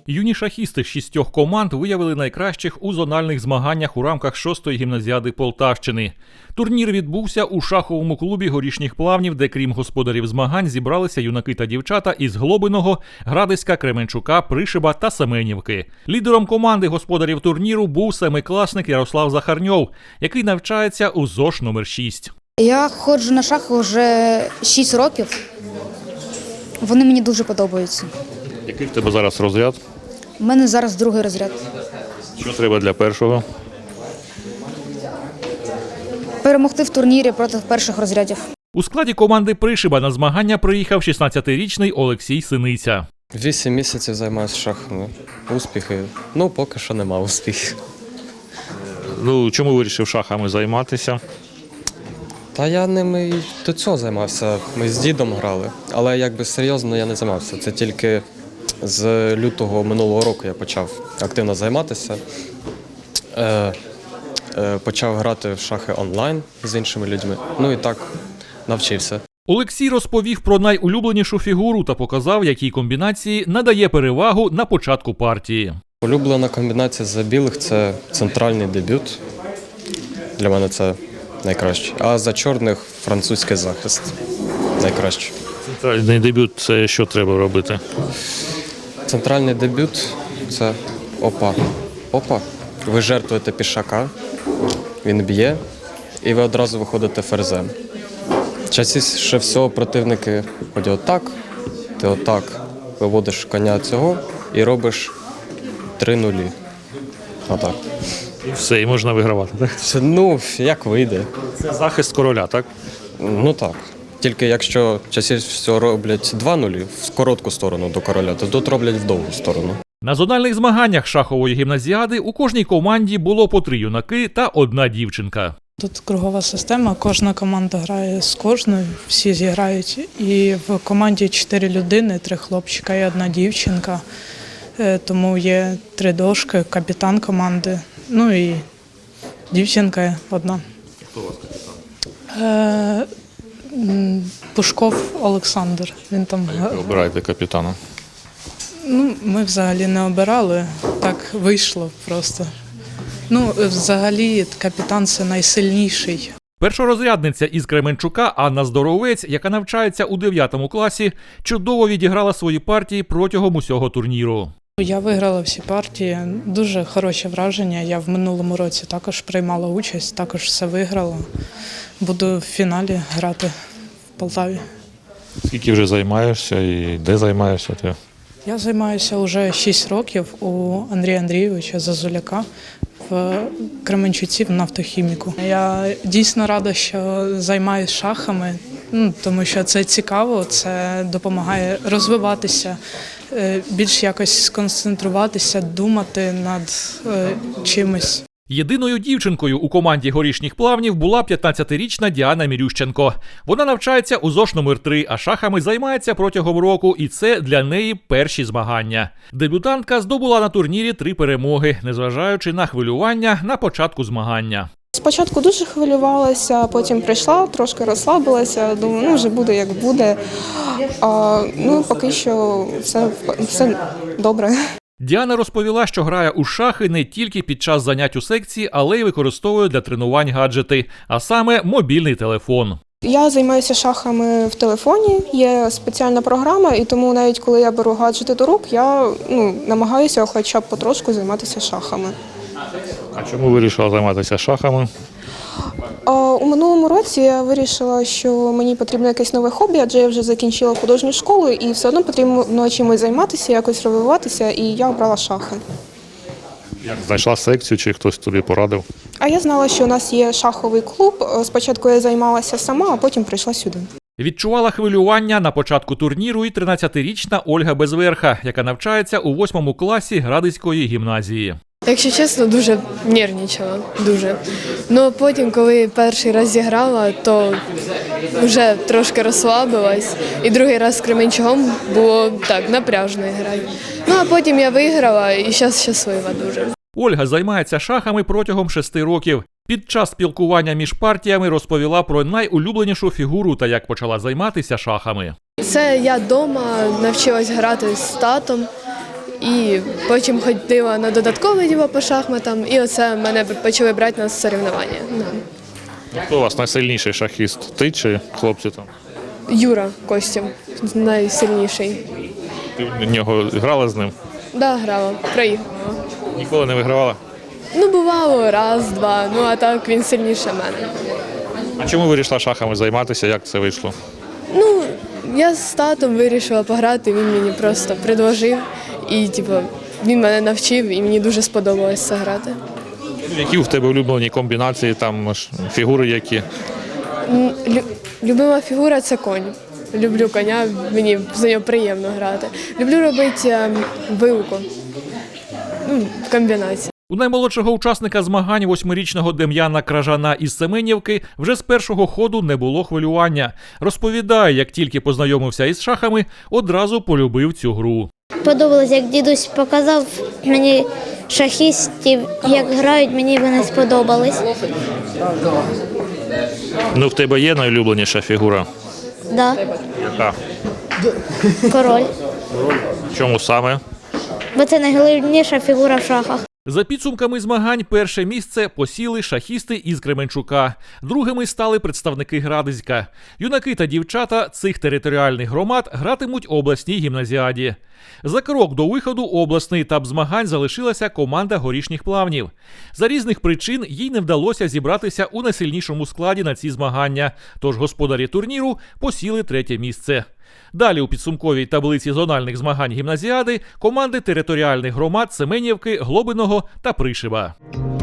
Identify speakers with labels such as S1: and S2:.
S1: Юні шахісти з 6 команд виявили найкращих у зональних змаганнях у рамках 6-ї гімназіади Полтавщини. Турнір відбувся у шаховому клубі Горішніх Плавнів, де крім господарів змагань зібралися юнаки та дівчата із Глобиного, Градиська, Кременчука, Пришиба та Семенівки. Лідером команди господарів турніру був семикласник Ярослав Захарньов, який навчається у ЗОШ номер 6.
S2: Я ходжу на шахи вже 6 років. Вони мені дуже подобаються.
S1: Який в тебе зараз розряд?
S2: У мене зараз другий розряд.
S1: Що треба для першого?
S2: Перемогти в турнірі проти перших розрядів.
S1: У складі команди Пришиба на змагання приїхав 16-річний Олексій Синиця.
S3: 8 місяців займаюся шахами. Успіхи? Поки що нема успіхів.
S1: Чому вирішив шахами займатися?
S3: Та я ними і до цього займався. Ми з дідом грали, але серйозно я не займався. Це тільки з лютого минулого року я почав активно займатися. Почав грати в шахи онлайн з іншими людьми. І так навчився.
S1: Олексій розповів про найулюбленішу фігуру та показав, якій комбінації надає перевагу на початку партії.
S3: Улюблена комбінація за білих – це центральний дебют. Для мене це найкраще. А за чорних – французький захист. Найкраще.
S1: Центральний дебют – це що треба робити?
S3: Центральний дебют – це опа. Опа. Ви жертвуєте пішака, він б'є, і ви одразу виходите ферзем. Частіше всього противники ходять отак, ти отак виводиш коня цього і робиш 3 нулі. Отак.
S1: І все, і можна вигравати, так?
S3: Як вийде.
S1: Це захист короля, так?
S3: Так. Тільки якщо частіше всього роблять 2 нулі в коротку сторону до короля, то тут роблять в довгу сторону.
S1: На зональних змаганнях шахової гімназіади у кожній команді було по 3 юнаки та 1 дівчинка.
S4: Тут кругова система, кожна команда грає з кожною, всі зіграють. І в команді 4 людини, 3 хлопчика і 1 дівчинка. Тому є 3 дошки, капітан команди, і дівчинка 1.
S1: Хто у вас капітан?
S4: Пушков Олександр. Він там.
S1: Ви обираєте капітана?
S4: Ми взагалі не обирали, так вийшло просто. Взагалі капітан – це найсильніший.
S1: Першорозрядниця із Кременчука Анна Здоровець, яка навчається у 9 класі, чудово відіграла свої партії протягом усього турніру.
S4: Я виграла всі партії, дуже хороші враження. Я в минулому році також приймала участь, також все виграла. Буду в фіналі грати в Полтаві.
S1: Скільки вже займаєшся і де займаєшся ти?
S4: Я займаюся вже 6 років у Андрія Андрійовича Зазуляка в Кременчуці в нафтохіміку. Я дійсно рада, що займаюся шахами, тому що це цікаво, це допомагає розвиватися, більш якось сконцентруватися, думати над чимось.
S1: Єдиною дівчинкою у команді Горішніх Плавнів була 15-річна Діана Мірющенко. Вона навчається у ЗОШ номер 3, а шахами займається протягом року, і це для неї перші змагання. Дебютантка здобула на турнірі 3 перемоги, незважаючи на хвилювання на початку змагання.
S5: Спочатку дуже хвилювалася, потім прийшла, трошки розслабилася, думаю, вже буде як буде. Поки що все добре.
S1: Діана розповіла, що грає у шахи не тільки під час занять у секції, але й використовує для тренувань гаджети, а саме мобільний телефон.
S5: Я займаюся шахами в телефоні, є спеціальна програма, і тому навіть коли я беру гаджети до рук, я намагаюся хоча б потрошку займатися шахами.
S1: А чому вирішила займатися шахами?
S5: У минулому році я вирішила, що мені потрібно якесь нове хобі, адже я вже закінчила художню школу і все одно потрібно чимось займатися, якось розвиватися, і я обрала шахи.
S1: Як знайшла секцію, чи хтось тобі порадив?
S5: А я знала, що у нас є шаховий клуб. Спочатку я займалася сама, а потім прийшла сюди.
S1: Відчувала хвилювання на початку турніру і 13-річна Ольга Безверха, яка навчається у 8 класі Градиської гімназії.
S6: Якщо чесно, дуже нервничала, дуже. Потім, коли перший раз зіграла, то вже трошки розслабилась. І другий раз з Кременчугом було так, напряжно грати. А потім я виграла і зараз щаслива дуже.
S1: Ольга займається шахами протягом 6 років. Під час спілкування між партіями розповіла про найулюбленішу фігуру та як почала займатися шахами.
S6: Це я вдома навчилась грати з татом. І потім ходила на додаткове діло по шахматам, і оце мене почали брати на соревнування. Да.
S1: Хто у вас найсильніший шахіст? Ти чи хлопці там?
S6: Юра Костів, найсильніший.
S1: Ти в нього грала з ним?
S6: Да, грала, проіграла.
S1: Ніколи не вигравала?
S6: Ну, бувало раз, два, ну а так він сильніше мене.
S1: А чому вирішила шахами займатися? Як це вийшло?
S6: Ну, я з татом вирішила пограти, він мені просто предложив. І типу, він мене навчив, і мені дуже сподобалось це грати.
S1: Які в тебе улюблені комбінації, там фігури які?
S6: Любима фігура це конь. Люблю коня, мені за нього приємно грати. Люблю робити вилку. Ну, комбінації.
S1: У наймолодшого учасника змагань 8-річного Дем'яна Кражана із Семенівки вже з першого ходу не було хвилювання. Розповідає, як тільки познайомився із шахами, одразу полюбив цю гру.
S7: Подобалось, як дідусь показав мені шахістів, як грають, мені вони сподобались.
S1: Ну, в тебе є найулюбленіша фігура?
S7: Да,
S1: Яка?
S7: король.
S1: Чому саме?
S7: Бо це найголовніша фігура в шахах.
S1: За підсумками змагань перше місце посіли шахісти із Кременчука. Другими стали представники Градиська. Юнаки та дівчата цих територіальних громад гратимуть у обласній гімназіаді. За крок до виходу у обласний етап змагань залишилася команда Горішніх Плавнів. За різних причин їй не вдалося зібратися у найсильнішому складі на ці змагання, тож господарі турніру посіли третє місце. Далі у підсумковій таблиці зональних змагань гімназіади команди територіальних громад Семенівки, Глобиного та Пришиба.